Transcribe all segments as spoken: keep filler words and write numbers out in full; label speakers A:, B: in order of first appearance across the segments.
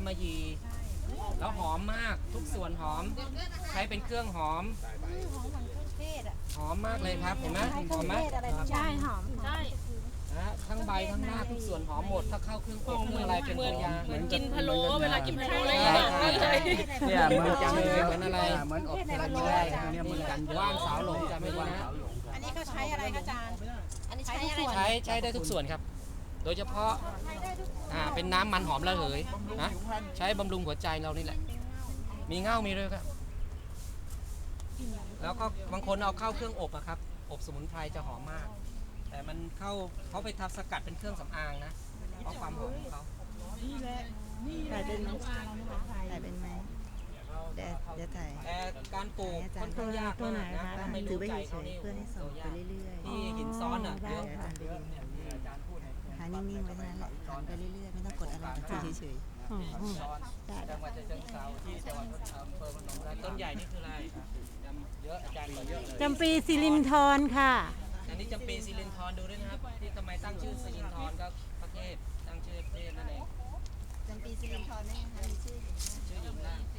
A: มะหยี่แล้วหอมมากทุกส่วนหอมใช้เป็นเครื่องหอมหอมมากเลยครับเห็นไหมหอมไหม
B: ใช่หอมใช่
A: นะทั้งใบทั้งหน้าทุกส่วนหอมหมดถ้าเข้าเครื่องอบเครื่องอะไรเป็นตัวยา
B: เหมือนกินพะโล้เวลากินพะโล้อะไร
C: เนี่ยเหมือนกันเลย
A: เหมือนอะไร
C: เหมือนอบเทลามีได้เนี่ยเหมือนกัน
A: ว่านสาวหลงจะไม่รู้นะ
D: อันนี้เขาใช้อะไรคะอาจารย์ อันนี้ใช้อะไร
A: ใช้ใช้ได้ทุกส่วนครับ โดยเฉพาะอ่าเป็นน้ำมันหอมระเหยนะใช้บำรุงหัวใจเรานี่แหละมีเง่ามีด้วยครับแล้วก็บางคนเอาเข้าเครื่องอบอะครับอบสมุนไพรจะหอมมาก แต่มันเข้าเขาไปทำสกัดเป็นเครื่องสำอางนะเพราะความหอมของเขา
D: ถ่ายเป็นไหมถ่ายเป็นไหมเดี๋ยวเดี๋ยวถ่าย
A: แต่การปลูกค่อนข้างยากมากนะถ้าไม่
D: ถือ
A: รู้
D: ไว้
A: ใจ
D: เฉ
A: เขา
D: ย
A: นี่
D: ๆเพื่อให้ส่งไปเรื่อยๆ
A: ที่หินซ้อนอ่ะเยอะ
D: อาจารย์ไปดูหานิ่งๆไว้เท่านั้นแหละหันไปเรื่อยๆไม่ต้องกดอะไรถือเฉย
A: จังหวัดฉะเชิงเทราที่จังหวัดอำเภอพนมไพรต้นใหญ่นี่คืออะไรเยอะอาจารย์บอกเยอะเลย
B: จำปีสิรินทรค่ะ
A: อันนี้จำปีซิลินทรดูด้วยนะครับที่ทำไมตั้งชื่อซิลินทรก็พระเทพตั้งชื่อพระเทพนั่นเอง
D: ๆจำปีสิรินทรนี่นะคะมีชื่ออยู่
A: ชื่อหญิงล่าง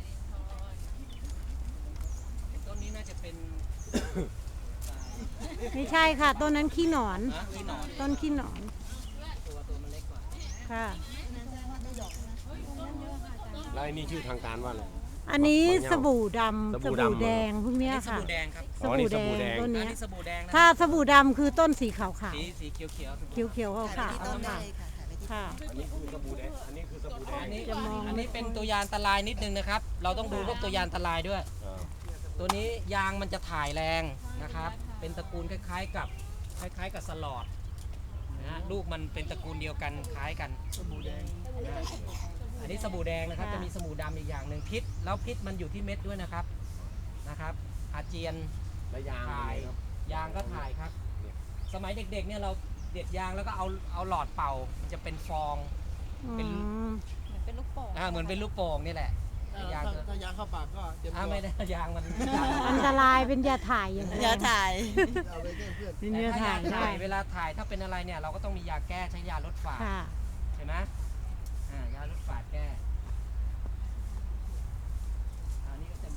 A: ต้นนี้น่าจะเป็น
B: ไม่ใช่ค่ะต้นนั้นขี้หนอน
A: นะที่หนอน
B: ต้นขี้หนอน
A: ตัวตัวมันเล็กกว่า
B: ค่ะ
E: แล้วไอ้นี่ชื่อทางการว่าอะไร
B: อันนี้สบู่ดำ
E: ส
B: ส
E: บู่
B: บู่
E: ดำ
B: แดงพวก
A: อัน
B: เนี้ย
A: นี้ส
B: ค่ะ
A: บู่แดงครับ
B: ส
E: อ๋อนี่
B: บู่
E: สบู่
B: แด
E: แด
B: ง
E: ง
B: ต้น
A: อัน
B: เนี้ย
A: นี้สบู่แดงนะ
B: ถ้าสบู่ดำคือต้นสีขาว
A: สีสีเขียวเขียว
B: ๆเขียวๆขาว
D: ถ่ายไป
B: ๆ
D: ที่ต้นได้เลยค่ะถ่ายไปที่
B: ค่ะ
E: อันนี้คือสบู่แดงอันนี้คือสบู่แดง
A: อันนี้
B: จะมอง
A: อันนี้เป็นตัวยาอันตรายนิดนึงนะครับ เราต้องดูพวกตัวยาอันตรายด้วย
E: อ่า
A: ตัวนี้ยางมันจะถ่ายแรงนะครับ เป็นตระกูลคล้ายๆกับคล้ายๆกับสลอดนะฮะลูกมันเป็นตระกูลเดียวกันคล้ายกันสบู่แดงอันนี้สบู่แดงนะครับจะมีสบู่ดำอีกอย่างหนึ่งพิษแล้วพิษมันอยู่ที่เม็ดด้วยนะครับนะครับ อาเจียน
E: และยาง
A: ถ่าย
E: ครับ
A: ยางก็ถ่ายครับ สมัยเด็กๆเนี่ยเราเด็ดยางแล้วก็เอาเอาหลอดเป่ามันจะเป็นฟอง เป็น
B: อืม
D: เป็นลูกโป่ง
A: อ่าเหมือนเป็นลูกโป่งนี่แหละยาง
C: ถ้ายางเข้าปากก็เตรียม
A: อ่า
C: ตัว
A: ไม่ได้ยางมัน
B: อันตรายเป็นยาถ่ายอย่างเดี
D: เดี๋ยวถ่าย
C: เอาไปแก้เพื่อน
B: เป็น
A: แต่
B: ยา
A: ถ้า
B: ถ่าย
A: ยา
B: ได้
A: ถ่ายเวลาถ่ายถ้าเป็นอะไรเนี่ยเราก็ต้องมียาแก้ใช้ยาลดฝาด
B: ค่ะ
A: ใช่ไหมอ่ายาลดฝาดแก้อันนี้ก็จะ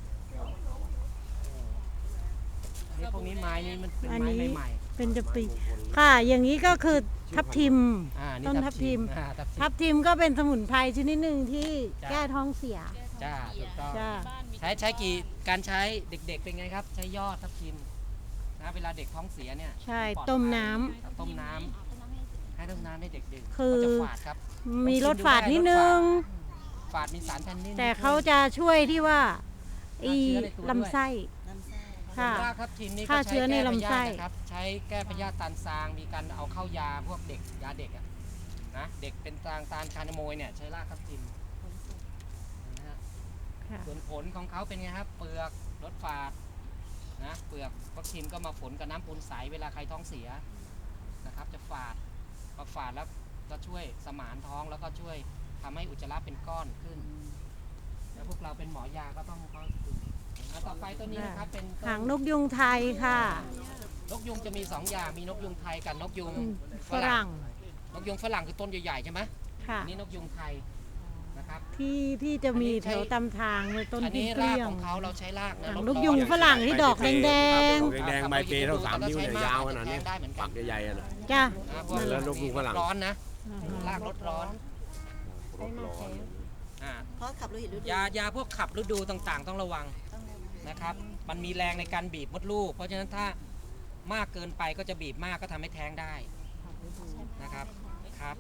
A: อันนี้พวกนี้ไม้นี่มันเป็น
B: อัน
A: ไม้
B: นี้
A: ใหม่
B: เป็นจะปีค่ะ อย่างนี้ก็คือทับทิม
A: ๆอ่านี่
B: ต้นทับทิม
A: อ่าทับทิ
B: ทั
A: ม
B: บทิมก็เป็นสมุนไพรชนิดหนึ่งที่
A: จ้ะ
B: แก้ท้องเสีย
A: จ้าถูกต้อง
B: จ้า
A: ใช้ใช้กี่การใช้เด็กๆเป็นไงครับ ใช้ยอดทับทิมนะเวลาเด็กท้องเสียเนี่ย
B: ใช่
A: ปลอดภัย
B: ต้มน้ำ
A: ต้มน้ำให้ต้มน้ำให้เด็กดื่ม
B: คือ
A: ก็จะฝาดครับ
B: มีรสฝาดนิดนึง
A: ฝาดมีสารแทนนิน
B: แต่เขาจะช่วยที่ว่าอี
A: ฆ่าเชื้อในตัวด้วย
B: ลำไส้
D: น้ำไส้
B: ค่ะ
A: รากทับทิมนี่ก็
B: ฆ่า
A: ใช้
B: เชื้อใน
A: แก้พ
B: ลำไส้
A: ยาธินะครับใช้แก้พยาธิตาลซางมีการเอาเข้ายาพวกเด็กยาเด็กอะนะเด็กเป็นตางตาลคานาโมยเนี่ยใช้รากทับทิมนะฮะ
B: ค่ะ
A: ส่วนผลของเขาเป็นไงครับ เปลือกรสฝาดนะเปลือกทับทิมก็มาฝนกับน้ำปูนใสเวลาใครท้องเสียนะครับ จะฝาดพอฝาดแล้วก็ช่วยสมานท้องแล้วก็ช่วยทำให้อุจจาระเป็นก้อนขึ้นแล้วพวกเราเป็นหมอยาก็ต้องเขาดื่มแล้วต่อไปตัวนี้นะครับเป็นต้น
B: หางนกยุงไทยค่ะ
A: นกยุงจะมีสองอย่างมีนกยุงไทยกับนกยุง
B: อืม
A: ฝ
B: ฝ
A: รั่
B: รั่
A: ง
B: ง
A: นกยุงฝรั่งคือต้นใหญ่ๆใช่ไหม
B: ค่ะ
A: อันนี้นกยุงไทยนะครับ
B: ที่ที่จะมี
A: อันนี้ใช้
B: แถวตำทางเลยต้น
A: อัน
B: ที่
A: นี้
B: เก
A: ราก
B: ลี้ย
A: ข
B: ง
A: องเขาเราใช้รากนะ
B: หาง
A: ลด
B: นก
A: ร้อ
B: ยุงฝรั่งที่ดอกแดง
E: ดอกแดงๆใบเปเท่าสามนิ้วเนี่ยยาวขนาดนี้
A: ได้เหมือนกั
E: ปั
A: น
E: กใหญ่ๆอะนะ
B: ๆจ้ะ
A: อ่าพวก
E: แล้วนกยุงฝรั่ง
A: ร้อนนะ
B: อ่าฮะ
A: รากลดร้อน
E: รถร้อน
A: อ่า
D: เพราะขับรถเห็นฤดู
A: ยายาพวกขับฤดูต่างๆ ต้องระวัง
D: ต้องระวัง
A: นะครับมันมีแรงในการบีบมดลูก เพราะฉะนั้นถ้ามากเกินไปก็จะบีบมากก็ทำให้แท้งได้นะครับครับ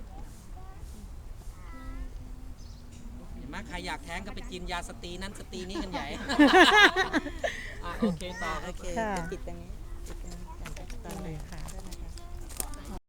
A: เห็นไหมใครอยากแท้งก็ไปกินยาสตรีนั้นสตรีนี้กันใหญ่ อ่ะโอเคต่อ
D: โอเค
B: ค่ะ
D: จะปิดตรงนี้ปิดตรงนี้ก่อนตอนเลย
B: ค่ะ